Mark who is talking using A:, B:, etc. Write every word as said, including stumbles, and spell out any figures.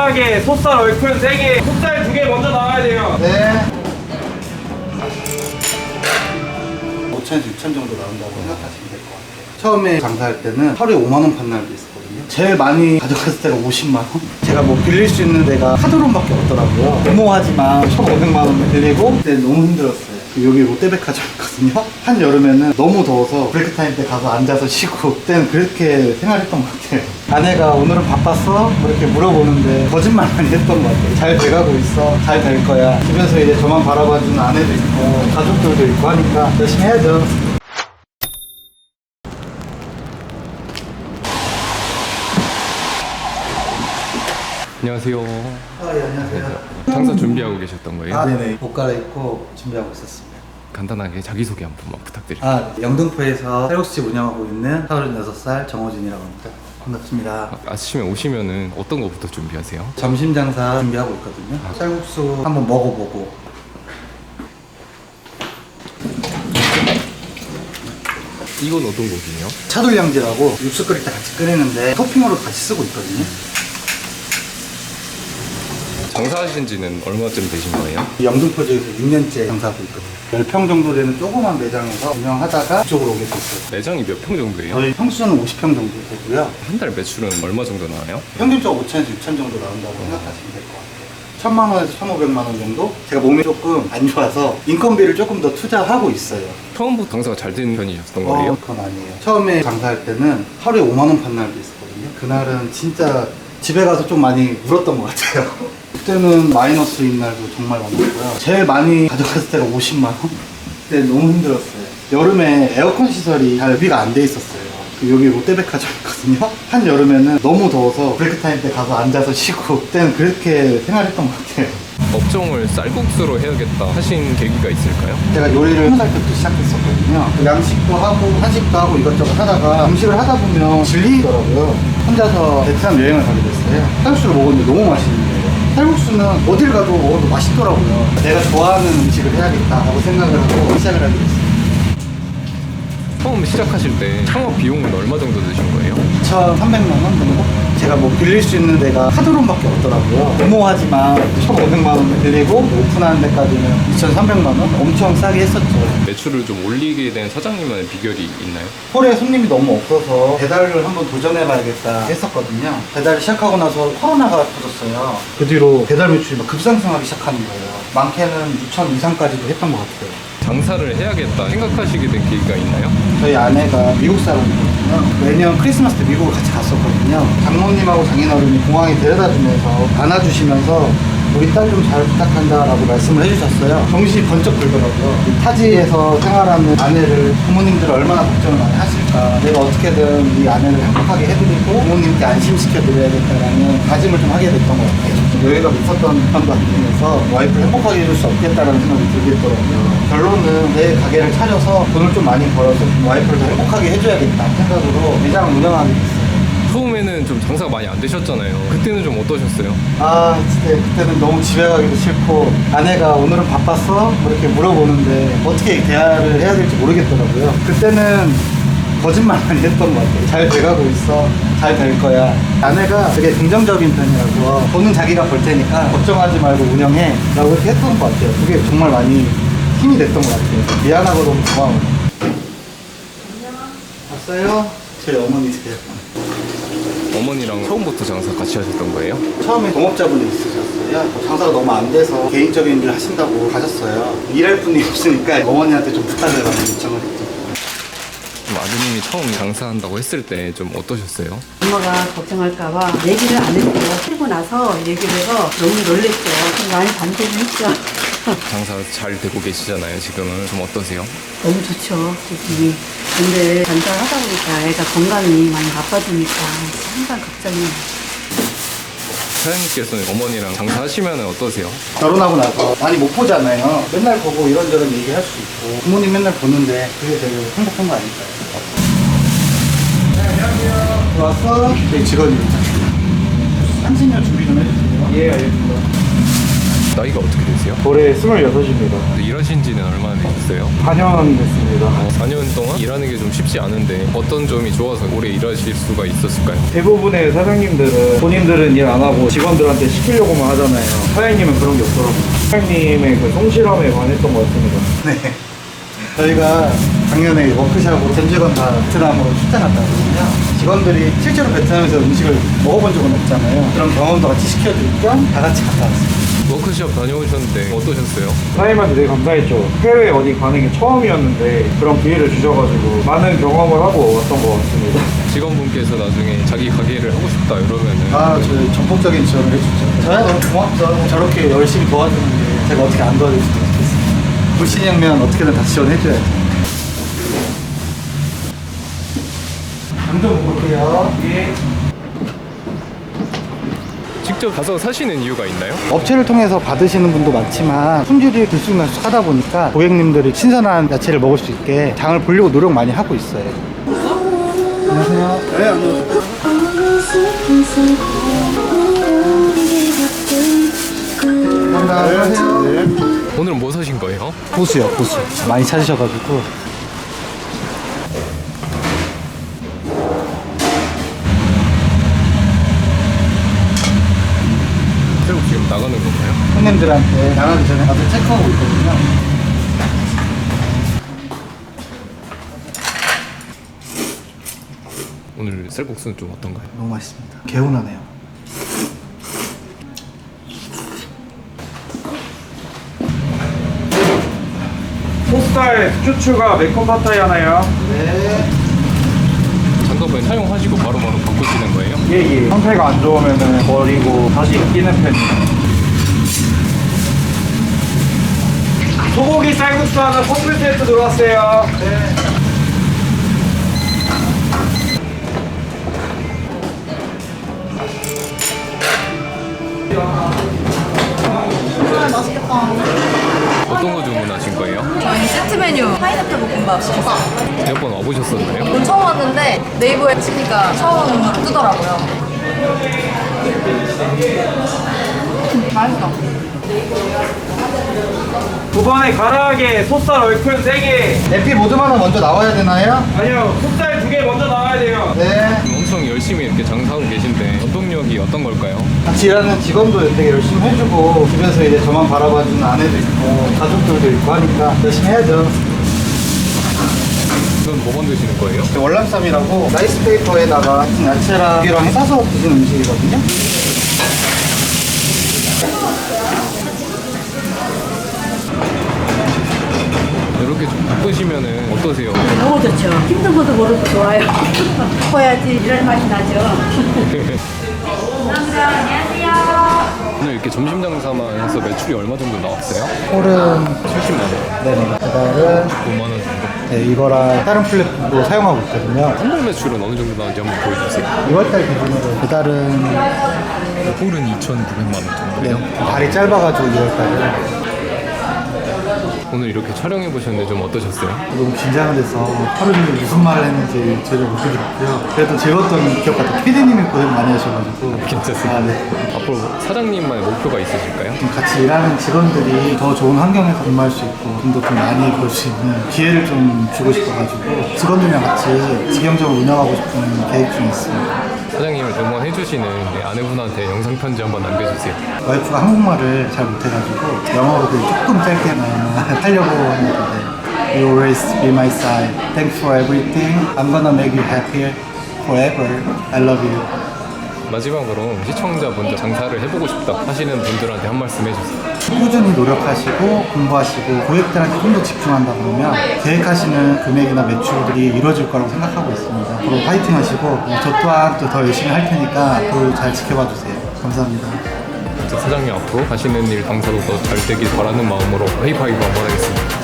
A: 깔끔하게 소살 얼큰 세 개, 소살 두 개 먼저 나와야 돼요.
B: 네. 오천에서 육천 정도 나온다고 생각하시면 될 것 같아요. 처음에 장사할 때는 하루에 오만 원 판 날도 있었거든요. 제일 많이 가져갔을 때가 오십만 원? 제가 뭐 빌릴 수 있는 데가 카드론밖에 없더라고요. 데모하지만 천오백만 원 빌리고 그때 너무 힘들었어요. 여기 롯데백화점이거든요. 한여름에는 너무 더워서 브레이크 타임 때 가서 앉아서 쉬고 그때는 그렇게 생활했던 것 같아요. 아내가 오늘은 바빴어? 뭐 이렇게 물어보는데 거짓말 많이 했던 것 같아요. 잘 돼가고 있어. 잘 될 거야. 집에서 이제 저만 바라봐주는 아내도 있고 가족들도 있고 하니까 열심히 해야죠.
C: 안녕하세요.
B: 아, 예, 안녕하세요.
C: 장사 준비하고 계셨던 거예요?
B: 아, 네네. 옷 갈아입고 준비하고 있었습니다.
C: 간단하게 자기소개 한 번만 부탁드립니다.
B: 아, 영등포에서 쌀국수집 운영하고 있는 서른여섯 살 정호진이라고 합니다. 반갑습니다.
C: 아, 아침에 오시면은 어떤 거부터 준비하세요?
B: 점심 장사 준비하고 있거든요. 쌀국수 한번 먹어보고.
C: 이건 어떤 고기예요?
B: 차돌량지라고 육수 끓일 때 같이 끓이는데 토핑으로 같이 쓰고 있거든요.
C: 장사하신 지는 얼마쯤 되신 거예요?
B: 영등포 지역에서 육 년째 장사하고 있거든요. 십 평 정도 되는 조그만 매장에서 운영하다가 이쪽으로 오게 됐어요.
C: 매장이 몇 평 정도예요?
B: 저희 평수는 오십 평 정도 되고요.
C: 한 달 매출은 얼마 정도 나와요?
B: 평균적으로 오천에서 육천 정도 나온다고 생각하시면 될 것 같아요. 천만 원에서 천오백만 원 정도? 제가 몸이 조금 안 좋아서 인건비를 조금 더 투자하고 있어요.
C: 처음부터 장사가 잘 되는 편이셨던 거예요?
B: 어, 그건 아니에요. 처음에 장사할 때는 하루에 오만 원 판 날도 있었거든요. 그날은 진짜 집에 가서 좀 많이 울었던 것 같아요. 그때는 마이너스인 날도 정말 많았고요. 제일 많이 가져갔을 때가 오십만 원? 그때 너무 힘들었어요. 여름에 에어컨 시설이 잘 비가 안 돼 있었어요. 그 여기 롯데백화점이거든요. 한여름에는 너무 더워서 브레이크 타임 때 가서 앉아서 쉬고 그때는 그렇게 생활했던 것 같아요.
C: 업종을 쌀국수로 해야겠다 하신 계기가 있을까요?
B: 제가 요리를 스무 살 때부터 시작했었거든요. 양식도 하고 한식도 하고 이것저것 하다가 음식을 하다 보면 질리더라고요. 혼자서 베트남 여행을 가게 됐어요. 쌀국수를 먹었는데 너무 맛있는 거예요. 쌀국수는 어딜 가도 먹어도 맛있더라고요. 내가 좋아하는 음식을 해야겠다라고 생각을 하고 시작을 하게 됐어요.
C: 처음 시작하실 때 창업 비용은 얼마 정도 드신 거예요?
B: 이천삼백만 원 정도? 제가 뭐 빌릴 수 있는 데가 카드론밖에 없더라고요. 데모하지만 천오백만 원 빌리고 오픈하는 데까지는 이천삼백만 원? 엄청 싸게 했었죠.
C: 매출을 좀 올리게 된 사장님만의 비결이 있나요?
B: 홀에 손님이 너무 없어서 배달을 한번 도전해봐야겠다 했었거든요. 배달을 시작하고 나서 코로나가 터졌어요. 그 뒤로 배달 매출이 막 급상승하기 시작하는 거예요. 많게는 육천 이상까지도 했던 것 같아요.
C: 장사를 해야겠다 생각하시게 된 계기가 있나요?
B: 저희 아내가 미국 사람이거든요. 매년 크리스마스 때 미국을 같이 갔었거든요. 장모님하고 장인어른이 공항에 데려다 주면서 안아주시면서 우리 딸 좀 잘 부탁한다라고 말씀을 해주셨어요. 정신이 번쩍 들더라고요. 이 타지에서 생활하는 아내를 부모님들 얼마나 걱정을 많이 하실까. 내가 어떻게든 이 아내를 행복하게 해드리고 부모님께 안심시켜드려야겠다라는 다짐을 좀 하게 됐던 것 같아요. 여유가 있었던 편도 아니면서 와이프를 행복하게 해줄 수 없겠다라는 생각이 들겠더라고요. 결론은 내 가게를 차려서 돈을 좀 많이 벌어서 와이프를 더 행복하게 해줘야겠다 생각으로 매장을 운영하게 됐어요.
C: 처음에는 좀 장사가 많이 안 되셨잖아요. 그때는 좀 어떠셨어요?
B: 아, 진짜 그때는 너무 집에 가기도 싫고 아내가 오늘은 바빴어? 뭐 이렇게 물어보는데 어떻게 대화를 해야 될지 모르겠더라고요. 그때는 거짓말 많이 했던 것 같아요. 잘 돼가고 있어. 잘 될 거야. 아내가 되게 긍정적인 편이라서 돈은 자기가 벌 테니까 걱정하지 말고 운영해 라고 이렇게 했던 것 같아요. 그게 정말 많이 힘이 됐던 것 같아요. 미안하고 너무 고마워. 왔어요? 저희 어머니세요.
C: 어머니랑 처음부터 장사 같이 하셨던 거예요?
B: 처음에 동업자분이 있으셨어요. 장사가 너무 안 돼서 개인적인 일 하신다고 가셨어요. 일할 분이 없으니까 어머니한테 좀 부탁해라고 요청을 했죠.
C: 좀 아드님이 처음 장사한다고 했을 때 좀 어떠셨어요?
D: 엄마가 걱정할까봐 얘기를 안 했고 풀고 나서 얘기를 해서 너무 놀랬죠. 좀 많이 반대를 했죠.
C: 장사 잘 되고 계시잖아요. 지금은 좀 어떠세요?
D: 너무 좋죠, 기분이. 근데 장사를 하다 보니까 애가 건강이 많이 나빠지니까 항상 걱정이에요.
C: 사장님께서는 어머니랑 장사하시면 어떠세요?
B: 결혼하고 나서 많이 못 보잖아요. 맨날 보고 이런저런 얘기할 수 있고 부모님 맨날 보는데 그게 되게 행복한 거 아닐까요? 네, 안녕하세요. 들어왔어? 저희 직원입니다. 한신료 준비 좀 해주세요. 예, 알겠습니다.
C: 나이가 어떻게 되세요?
E: 올해 스물여섯입니다.
C: 일하신 지는 얼마나 되셨어요?
E: 사 년 됐습니다.
C: 어, 사 년 동안 일하는 게 좀 쉽지 않은데 어떤 점이 좋아서 오래 일하실 수가 있었을까요?
E: 대부분의 사장님들은 본인들은 일 안 하고 직원들한테 시키려고만 하잖아요. 사장님은 그런 게 없더라고요. 사장님의 그 성실함에 반했던 것 같습니다.
B: 네. 저희가 작년에 워크샵으로 전 직원 다 베트남으로 출장 갔다 왔거든요. 직원들이 실제로 베트남에서 음식을 먹어본 적은 없잖아요. 그런 경험도 같이 시켜줄 겸 다 같이 갔다 왔어요.
C: 워크숍 다녀오셨는데 어떠셨어요?
E: 사장님한테 되게 감사했죠. 해외 어디 가는 게 처음이었는데 그런 기회를 주셔가지고 많은 경험을 하고 왔던 것 같습니다.
C: 직원분께서 나중에 자기 가게를 하고 싶다 이러면은
B: 아, 저희 전폭적인 지원을 해줬죠. 저야 너무 고맙죠. 저렇게 열심히 도와주는데 제가 어떻게 안 도와줄 수도 있겠어요. 불신형면 어떻게든 다 지원해줘야죠. 당좀 볼게요. 예.
C: 직접 가서 사시는 이유가 있나요?
B: 업체를 통해서 받으시는 분도 많지만 품질이 들쑥날쑥 하다 보니까 고객님들이 신선한 야채를 먹을 수 있게 장을 보려고 노력 많이 하고 있어요. 안녕하세요. 네, 안녕하세요. 감사합니다. 안녕하세요. 네.
C: 오늘은 뭐 사신 거예요?
B: 고수요, 고수. 많이 찾으셔가지고.
C: 새우 지금 나가는 건가요?
B: 손님들한테 나가기 전에 가서 체크하고 있거든요.
C: 오늘 쌀국수는 좀 어떤가요?
B: 너무 맛있습니다. 개운하네요.
E: 소스타일 슈추가 매콤 파타이 하나요?
B: 네.
C: 장갑을 사용하시고 바로바로 바꾸시는 거예요?
E: 예예. 상태가 안 좋으면은 버리고 다시 끼는 편이에요.
A: 소고기 쌀국수 하나 커플 세트 들어왔어요.
B: 네.
C: 어떤 거 주문하신 거예요?
F: 저희 세트 메뉴 파인애플 볶음밥 시켰어요.
C: 몇 번 와보셨었나요?
F: 오늘 처음 왔는데 네이버에 치니까 처음 뜨더라고요. 맛있어.
A: 두 번에 가라하게 소살 얼큰 세 개.
B: 에피 모드마다 먼저 나와야 되나요?
A: 아니요, 속살 두 개 먼저 나와야 돼요.
B: 네.
C: 엄청 열심히 이렇게 장사하고 계신데 원동력이 어떤 걸까요?
B: 같이 일하는 직원도 되게 열심히 해주고 집에서 이제 저만 바라봐주는 아내도 있고 가족들도 있고 하니까 열심히 해야죠.
C: 이건 뭐 만드시는 거예요?
B: 월남쌈이라고 라이스 페이퍼에다가 야채랑 고기랑 싸서 드시는 음식이거든요.
C: 이렇게 좀 바쁘시면은 어떠세요?
D: 너무 좋죠. 힘든 것도 모르고 좋아요. 커야지 이런 맛이 나죠.
C: 오늘 이렇게 점심 장사만 해서 매출이 얼마 정도 나왔어요?
B: 홀은
C: 칠십만 원,
B: 네네. 배달은
C: 오만 원 정도.
B: 네, 이거랑 다른 플랫폼도 사용하고 있거든요.
C: 한달 매출은 어느 정도 나왔는지 한번 보여주세요.
B: 이월달 기준으로 배달은
C: 홀은 이천구백만 원 정도요.
B: 네, 발이 짧아가지고 이월달은
C: 오늘 이렇게 촬영해 보셨는데 좀 어떠셨어요?
B: 너무 긴장을 해서 하루 종일 무슨 말을 했는지 전혀 못 들었고요. 그래도 즐거웠던 기억 같아요. 피디님이 고생 많이 하셔가지고.
C: 괜찮습니다.
B: 아, 네.
C: 앞으로 사장님만의 목표가 있으실까요?
B: 좀 같이 일하는 직원들이 더 좋은 환경에서 근무할 수 있고 좀 더 돈 많이 벌 수 있는 기회를 좀 주고 싶어가지고 직원들이랑 같이 직영적으로 운영하고 싶은 계획 중에 있습니다.
C: 사장님을 응원해 주시는 아내분한테 영상 편지 한번 남겨주세요.
B: 와이프가 한국말을 잘 못해가지고 영어로 그 조금 짧게만 하려고 했는데 You always be my side. Thanks for everything. I'm gonna make you happier forever. I love you.
C: 마지막으로 시청자분들 장사를 해보고 싶다 하시는 분들한테 한 말씀 해주세요.
B: 꾸준히 노력하시고 공부하시고 고객들한테 좀 더 집중한다 그러면 계획하시는 금액이나 매출들이 이루어질 거라고 생각하고 있습니다. 앞으로 파이팅 하시고 저 또한 또 더 열심히 할 테니까 앞으로 잘 지켜봐 주세요. 감사합니다.
C: 사장님 앞으로 하시는 일 장사도 더 잘 되길 바라는 마음으로 하이파이브 한번 하겠습니다.